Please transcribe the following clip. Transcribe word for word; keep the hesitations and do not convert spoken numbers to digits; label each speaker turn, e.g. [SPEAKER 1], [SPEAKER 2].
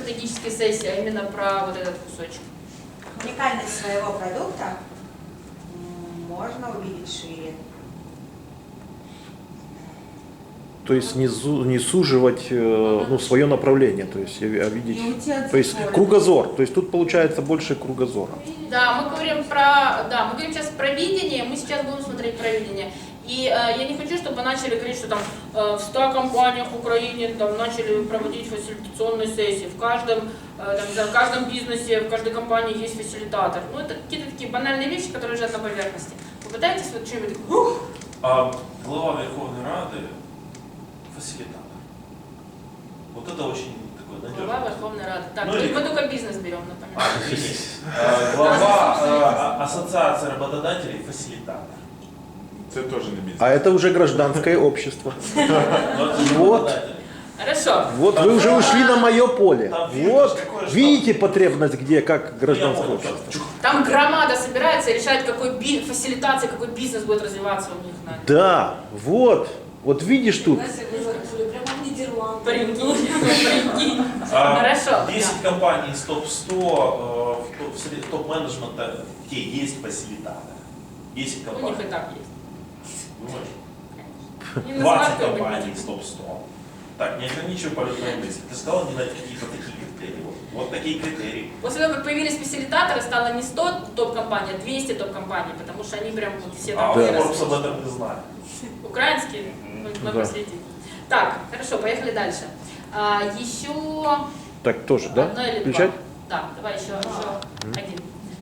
[SPEAKER 1] стратегические сессии, а именно про вот этот кусочек.
[SPEAKER 2] Уникальность своего продукта можно увидеть шире.
[SPEAKER 3] То есть не, зу, не суживать э, ну, свое направление, то есть а видеть, то есть кругозор, то есть тут получается больше кругозора.
[SPEAKER 1] Да, мы говорим про, да, мы говорим сейчас про видение, мы сейчас будем смотреть про видение. И э, я не хочу, чтобы начали говорить, что там э, в ста компаниях в Украине там, начали проводить фасилитационные сессии. В каждом, э, там, в каждом бизнесе, в каждой компании есть фасилитатор. Ну, это какие-то такие банальные вещи, которые лежат на поверхности. Попытайтесь вот что-нибудь...
[SPEAKER 4] А глава Верховной Рады фасилитатор. Вот это очень такой надежный.
[SPEAKER 1] Глава Верховной Рады. Так,
[SPEAKER 4] Ну,
[SPEAKER 1] мы,
[SPEAKER 4] или...
[SPEAKER 1] мы только бизнес берем, напоминаю.
[SPEAKER 4] А, извините. А, глава а, Ассоциации работодателей фасилитатор.
[SPEAKER 5] Это тоже не бизнес.
[SPEAKER 3] А это уже гражданское общество. Вот.
[SPEAKER 1] Хорошо.
[SPEAKER 3] Вот вы уже ушли на мое поле.
[SPEAKER 4] Там видно,
[SPEAKER 3] Вот
[SPEAKER 4] какое, что-
[SPEAKER 3] видите потребность, где как гражданское
[SPEAKER 4] Ну, я
[SPEAKER 3] общество.
[SPEAKER 4] понял, там, чух.
[SPEAKER 1] Там громада собирается и решает, какой би... фасилитация, какой бизнес будет развиваться у них. На...
[SPEAKER 3] Да, вот. Вот видишь тут.
[SPEAKER 1] Прикинь, прикинь.
[SPEAKER 4] А,
[SPEAKER 1] Хорошо.
[SPEAKER 4] десять компаний из топ сто, э, в топ- среди топ-менеджмента, где есть фасилитаторы. десять
[SPEAKER 1] У них
[SPEAKER 4] компаний.
[SPEAKER 1] и так есть.
[SPEAKER 4] Думаешь?
[SPEAKER 1] Не
[SPEAKER 4] двадцать
[SPEAKER 1] называй
[SPEAKER 4] компаний
[SPEAKER 1] какой-нибудь.
[SPEAKER 4] из топ сто. Так, не ограничивай полетной мысли. Ты сказал не на какие-то такие критерии. Вот, вот такие критерии.
[SPEAKER 1] После того, как появились фасилитаторы, стало не сто топ-компаний, а двести топ-компаний, потому что они прям вот все
[SPEAKER 4] А
[SPEAKER 1] там
[SPEAKER 4] Forbes
[SPEAKER 1] выросли.
[SPEAKER 4] об этом не знает.
[SPEAKER 1] Украинские? Мы, мы
[SPEAKER 3] Да.
[SPEAKER 1] проследим. Так, хорошо, поехали дальше. А, еще
[SPEAKER 3] Так тоже, да?
[SPEAKER 1] одно или
[SPEAKER 3] Включать?
[SPEAKER 1] два. Да, давай еще, еще один.